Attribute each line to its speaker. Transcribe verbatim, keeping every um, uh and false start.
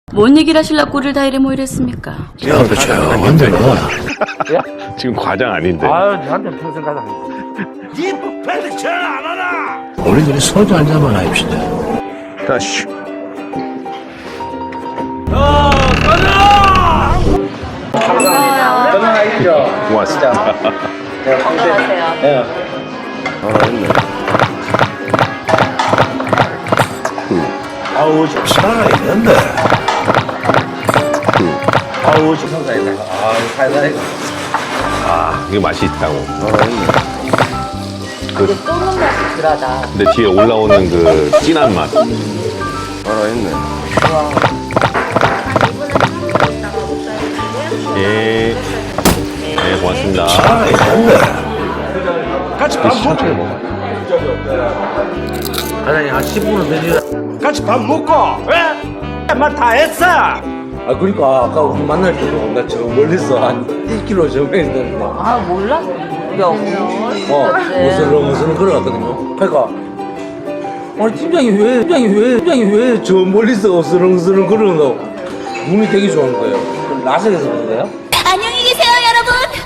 Speaker 1: 뭔 얘기를 하실라 꼴을 다 이래 모이랬습니까?
Speaker 2: 야, 그 조용한데 뭐.
Speaker 3: 지금 과장 아닌데.
Speaker 4: 아유, 니한테 평생 가자.
Speaker 2: 니 부패를 잘안 하나? 우리들이 소주 한 잔만 합시다.
Speaker 3: 자, 슈.
Speaker 4: 건강하시죠?
Speaker 3: 고맙습니다.
Speaker 1: 건강하세요.
Speaker 4: 아우, 저
Speaker 2: 살아 있는데.
Speaker 4: 아우, 저 평사이다. 아우, 살살해.
Speaker 3: 아, 이게 맛이 있다고.
Speaker 1: 이게 쏘는 맛이 덜하다.
Speaker 3: 근데 뒤에 올라오는 그 진한 맛. 예. 네, 고맙습니다.
Speaker 2: 살아 있는데.
Speaker 4: 같이 밥 먹고. 사장님, 한 십 분은 늦으
Speaker 2: 같이 밥 먹고. 왜? 말다 했어.
Speaker 4: 아, 그러니까 아까 우리 만날 때도 나 저 멀리서 한 일 킬로미터 정도 있는데.
Speaker 1: 아 몰랐어. 야,
Speaker 4: 어, 무슨 무슨 걸어갔거든요. 그러니까 아니 팀장이 왜 팀장이 왜 팀장이 왜 저 멀리서 어스렁어스렁 걸어온다고 눈이 되게 좋은 거예요. 그럼 라섹에서 그런 거예요?